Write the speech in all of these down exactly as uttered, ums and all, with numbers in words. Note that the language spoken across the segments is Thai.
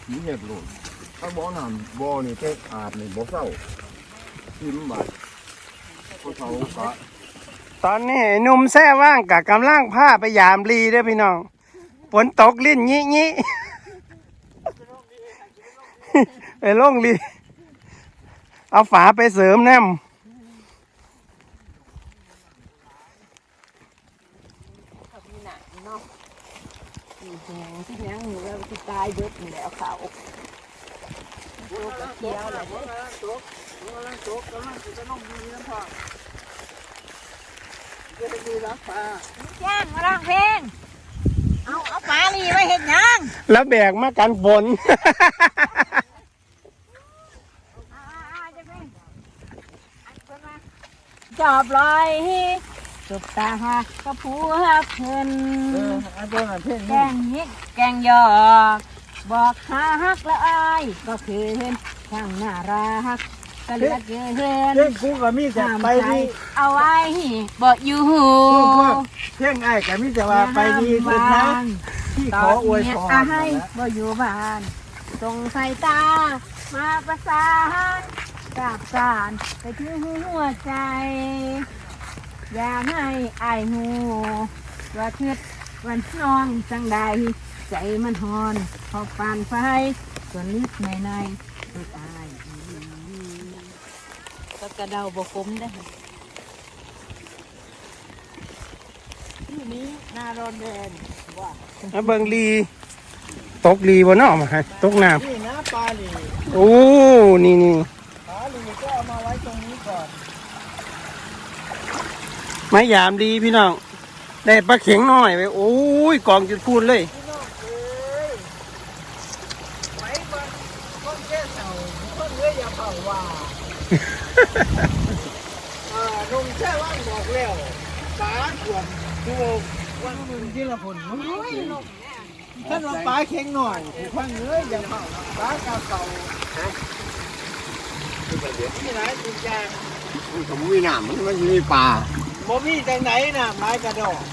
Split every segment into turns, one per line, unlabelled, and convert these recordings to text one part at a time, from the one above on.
มีเห็ดโหลดถ้าบ่อน้ำบ่อนี่แต่อาบนี่บ่เศร้าทิมบาดพอเขากะ
ตอนนี้หนุ่มแท้ว่างกับกำลังผ้าไปยามลีเด้อพี่น้องฝนตกลิ้นงี้งี้ไปลงลีเอาฝาไปเสริมแนม
ที่ยังอยู่แล้วที่ตายเบิดนี่แหละเอาเขาโตกเขียวอะไรเนี่ยโตกกำลังโตกกำลังจะน้องดีน้ำพ่อจะไปดูรักปลาแจ้งมาร้องเพลงเอาเอาปลาลีไว้เห็นยัง
แล้วแบกมากันฝน
จอบลอยจบตาหักกระพูหักเพิ่นแกงฮิกแกงยอกบอกหาฮักละอายก็คือเห็นช่างน่ารักก็เหลือเกิน
เพ่งกูก็มีแต่ไปดี
เอาไว้บอกอยู่หู
เพ่งไอ้ก็มีแต่ว่าไปดีสุดนะที่ขออวยพร
ให้บอกอยู่บ้านส่งสายตามาประสานกับการไปถึงหัวใจอยากให้อายหูว่าคิดวันน้องจังใดใจมันหอนพอปานไฟส่วนลึกในในตัวอายก็กระเดาบกคมได้ที่นี้นาโรนเดนว่า
เบิ่งลีตกลีบนนอกมาให้ตกน้ำ
นี่นะปลาลี
โอ้นี่นี่
ปลาลีก็เอามาไว้ตรงนี้ก่อน
ไม้ยามดีพี่น้องได้ปลาเข็งน้อยไปโอ้ยกองจุดพูดเลย
พี่น้องเอ้ยไว้บนต้นแก้เสาต้นเลื้อยอย่าเผาว่าอ่านุ่มแช่ว่างบอกแล้วปลาขวดดูวันนึงที่ละผลท่านว่าปลาเข็งหน่อยผู้พังเลื้อยอย่าเผาปลากาเก่าที่ไหนตุกยาง
ผมมีน้ำมันมันมีปลา
โมมี่จังไหนน่ะไม้กระดอก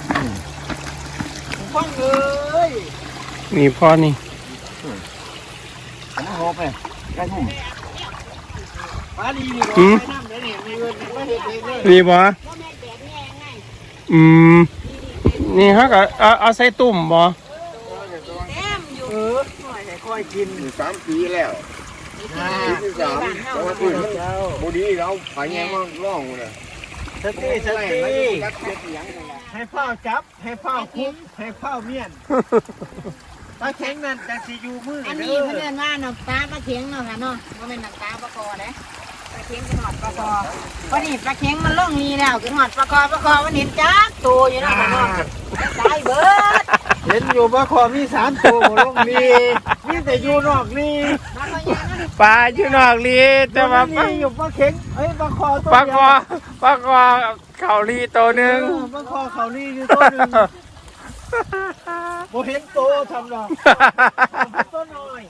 ฟังเลย
นี่พอนี่
อันนั้นหอบไปใกล้ทุ่ม
ปลาดีนี่บอกไปน้ำเดี๋ยวนี้มีเงินไม่เห็นเองเลย
นี่บ่อืมนี่ฮะก็เอาเอาใส่ตุ่มบ่
เออหน่อยให้ค่อยกิน
สามปีแล้วปีที่สามแล้วก็คือบุรีเราไปแง่ว่าร่องเลย
สติสติให้เฝ้าจับให้เฝ้าคุ้มให้เฝ้าเมียนปลาเข็งนั่นจะสิอยู่มือ
อันนี้เพื่อนว่าหนักตาปลาเข็งเนาะค่ะเนาะว่าเป็นหนักตาปลาคอเลยปลาเข็งเป็นหอดปลาคอวันนี้ปลาเข็งมันล่องนี้แล้วคือหอดปลาคอปลาคอวันนี้จักตัวอยู่นะค่ะเนาะตายเบิด
เห็นอยู่ปลาคอมีสามตัวลงนี่มีแต่อยู่นอกนี่
ปลาอยู่นอกลีแต่ว่า
ปลาอยู่ปลาเข็งเอ้ยปลาคอตัว
ปลาคอปลาคอเขาลีตัวหนึ่ง
ปลาคอเขาลีอยู่ตัวหนึ่งโมเห็นโตทำหรอกตัวน้อย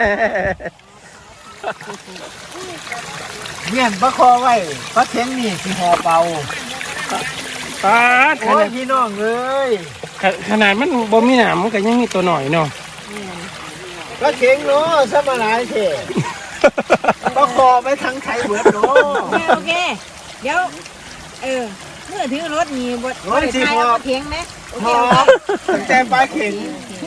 เมียนปลาคอไว้ปลาเข็งนี่สิห่อเป่า
ปลา
โอ้ยพี่น้องเลย
ขนาดมันบ่มีหนามมันก็ยังมีตัวหน่อยเนาะ
ปลาเข็งเนาะสมาหลายเถอะปลาคอไปทั้งไทยเบิดเนาะ
โอเคเดี๋ยวเออเมื่อถือรถมีบทบทไทยปลาเข็งไหมโอเค
ตั้งแต่ปลาเข็ง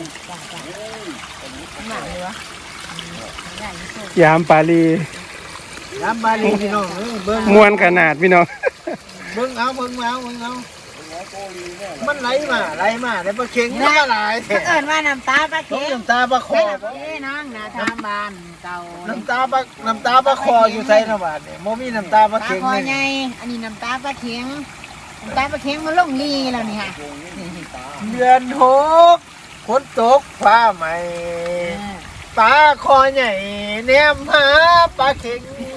ยามปลาลี
ยามปลาลีพี่น้องเบิ้ง
มวนขนาดพี่น้อง
เบิ้งเอาเบิ้งเอาเบิ้งเอามันไหลมาไหลมาแต่ปลาเข็งมันก็ไหล
เอิ้นว่าน้ำตาปลาเข็ง
น้ำตาปลาคอ
เอ้น้องนาทามบ้านเก่า
น้ำตาปลาน้ำตาปลาคออยู่ใส่ระบาดเนี่ยโมมีน้ำตาปลาเข็ง
เลยไงอันนี้น้ำตาปลาเข็งน้ำตาปลาเข็งมันลงลีแล้วนี่ค่ะ
เดือนหกฝนตกฟ้าใหม่ปลาคอใหญ่แนมหาปลาเข็ง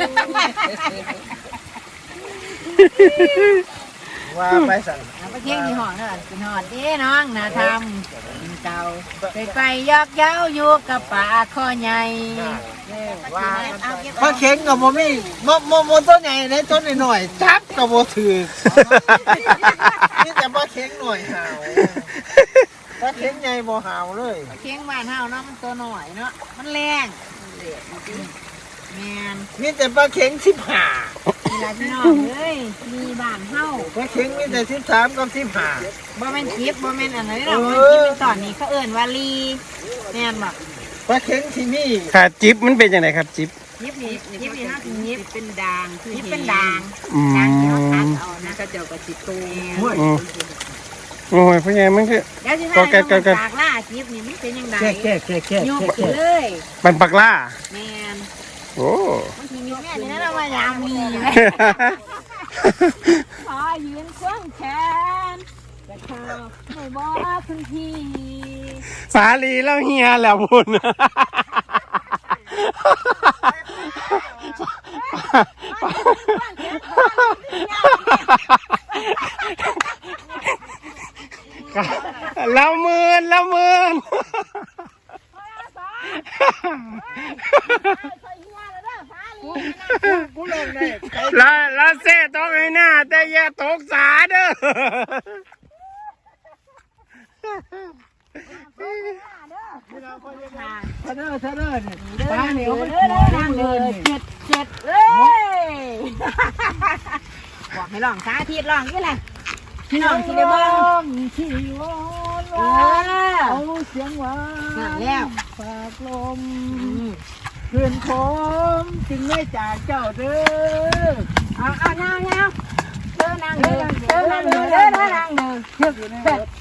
ว่าไปสั่ง
ปลาเข็งที่หอดเนอะเป็นหอดเด้น้องนาทำเก่าไปไปยอกเย้าอยู่กับปลาคอใหญ่
ว่าปลาเข็งกับโมมี่โมโมโมต้นใหญ่เลยต้นหน่อยจับกับโมถือนี่แต่ปลาเข็งหน่อยหาวปลาเข็งใหญ่บ่หาวเลย
เคียงบ้านเฮาเนาะมันตัวหน่อยเนาะมันแรงแมน
มีแต่ปลาเข็งสิบห้า
นี่ล่ะพี่น้องเอ้ยมีบ้านเฮา
ปลาเข็งมีแต่สิบสามกับสิบห้า
บ่แม่นจิบบ่แม่นอันนั้นเนาะ
เอ
มัน
อ
จิบเป็นตอนนี้เขาเอิ้นว่าลีแม่นบ่
ปลาเข็งที่นี่
ค่ะจิ๊บมันเป็นยังไงครับจิ๊บ
ยิบนี่ยิบนี่เฮาสิยิบเป็นดางยิบเป็นดาง
อืม
ดางที่เฮาตัดเอานะก็เจ้าก็สิตู
ห้วย
อืมโอ้ยพ่อใหญ่มันคือ
เดี๋ยวสิ
ก็
ให้
แกะ
น้อง
แกะแกะ
จากล่ายิบนี่มันเป็นจังได๋
แค่แค่แค่แค่
ยก
แค่
ขึ้น
แค่
เลย
เป็นปักล่า
แม่น
โอ้
บางทีมีแม่นี่นะเรามายามลีเลยขอยืนควงแขนแต่ข้าวไม่บอกคุณพี่
สาลีแล้วเฮียแล้วพุ่นแล้วมืนแล้วมืน
กูลงได้
แล้วแล้วเซ่ต้องให้หน้าแต่อย่าตกสาเด้อ
เธอเด้อเธอเด้อนี่
เดิ
ปลาน เหนียว
เล
มัน
ย
ขอ
เดิ
นั่
น
ง
เล
เลย
ยเจ็ดเจ็ดเลยบอกให้ลองสาธิตลองนี่แหละพี่น้องที่ได้บ้าง
ที่วอน
เอ
ว่า
อ
เอาเสียงหวาน
นั่นแล้ว
ฝากลมคืนคมจึงไม่จากเจ้าเด้อ
เอาเอาเงาเงาเดินนั่งเดินเดินนั่งเดินเดินนั่งเดิน
เทียบอยู่ในรถ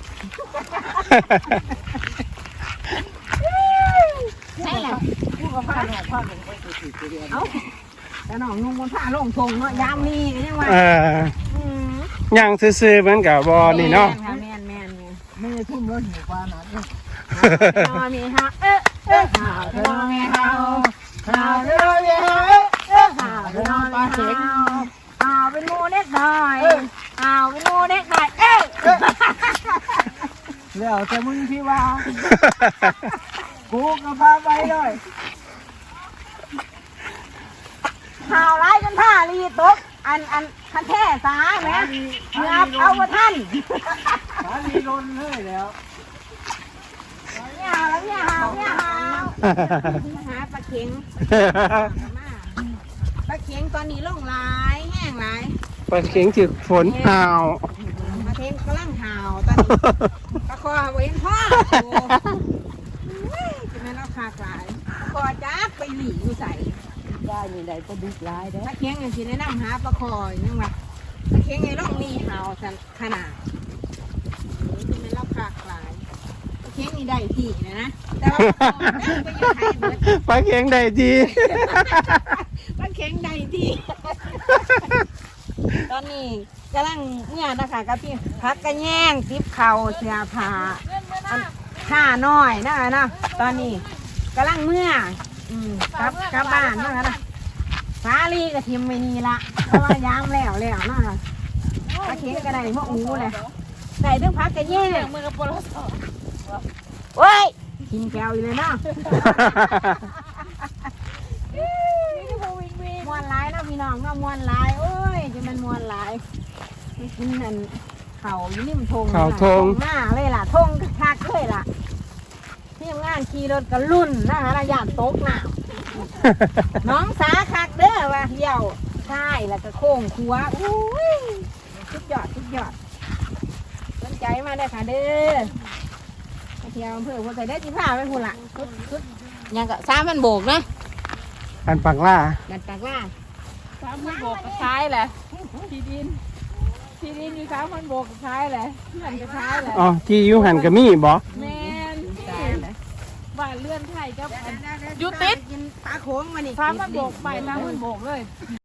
ใช่แหละ
ผู้กับผ้าหน่อยผ้าหนึ่งไปสุดๆเดียว
เอาแต่น้องนุ่งบนผ้าลงทงเนาะยามมีกันยังว่า
เออยังซื่อๆเหมือนกับบอนี่เนาะ
แม่นแม่นแม่น
ไม่ได้ทุ่มแล้วหิวปลาหนักเลย
นอนมีฮะเอ๊ะเอ๊ะข่าวจะนอนมีฮะ
ข่าวเรื่องเยอะ
เอ๊ะข่าวจะนอนมีฮะข่าวเป็นงูเล็กหน่อยข่าวเป็นงูเล็กหน่อยเอ๊ะ
แล้วแต่มึงที่ว่ากูกับพาไปด้วย
ข่าวร้ายจนผ้ารีตกอันอันคันแท้สาแม่เงือบเอาว่าท่าน
สาลีโดนเลยแล้ว
เนี่ยหาวแล้วเนี่ยหาวเนี่ยหาวหาปลาเข็งปลาเข็งตอนนี้ลงหลายแห้งหลาย
ปลาเข็งถึกฝนหาว
ปลาเข็งกำลังหาวตอนนี้ปลาคอเว้นพ่อโอ้ยจะแม่นเอาคากหลายปลาคอจักไปหลีอยู่ใส่
ได้นี่ได้ก็ดุร้ายเด้อ
ปลาเข็งอย่างที่แนะนำหาปลาคอยังว่าปลาเข็งไงล่องนี่หาวสันขนาดจะแม่นเอาคากหลายปลาเข็งนี่ได้ที่นะนะแต่ว่าปลาคอนั่งไปอยู่ไทยเบิด
ปลาเข็งได้ดี
ปลาเข็งใดที่ ตอนนี้กำลังเนี่ยนะคะกับพี่พักกระแย่งติบเข่าเสื้อผ้าอันผ้าน้อยนะคะเนาะตอนนี้กำลังเมื่ออืมกลับกลับบ้านนะคะนะฟ้าลีกับทิมไม่นี่ละเพราะว่ายามแล้วแล้วนะคะปลาเข็งก็ได้มะอูเลยได้เรื่องพักกระแย่งมือกับปลาสอโอ้ยกินแก้วอยู่เลยเนาะ มวนหลายเนาะพี่น้องเนาะมวนหลายโอ้ยจะมันมวนหลายไม่กินนั่นเขาอยู่นี่มันทง
เขาธง
หน้าเลยล่ะทงคักเลยล่ะที่ทำงานขี่รถกันรุ่นนะคะระยะตกหนาวน้องสาคักเด้อว่าเที่ยวใช่แล้วก็โค้งคัวอุ้ยสุดยอดสุดยอดสนใจมาได้อค่ะเด้อมาเที่ยวอำเภอหัวใจได้อจีพาไปหุ่นละสุดสุดยังก็สามพันโบกนะ
อันปักล่า
ดันตากล่า
สามพันโบกก็ใช้แหละที่ดินที่ดินมีสามพันโบกก็ใช้แหละเพื่อนก็ใช้แหละ
อ๋อที่อยูหันกับมี่บอ
แมน
ตายเลย
บ้านเลื่อนไทยกับอัน
อยู่ติดกินปลาโขงมานี่
สามพันโบกไปสามพันโบกเลย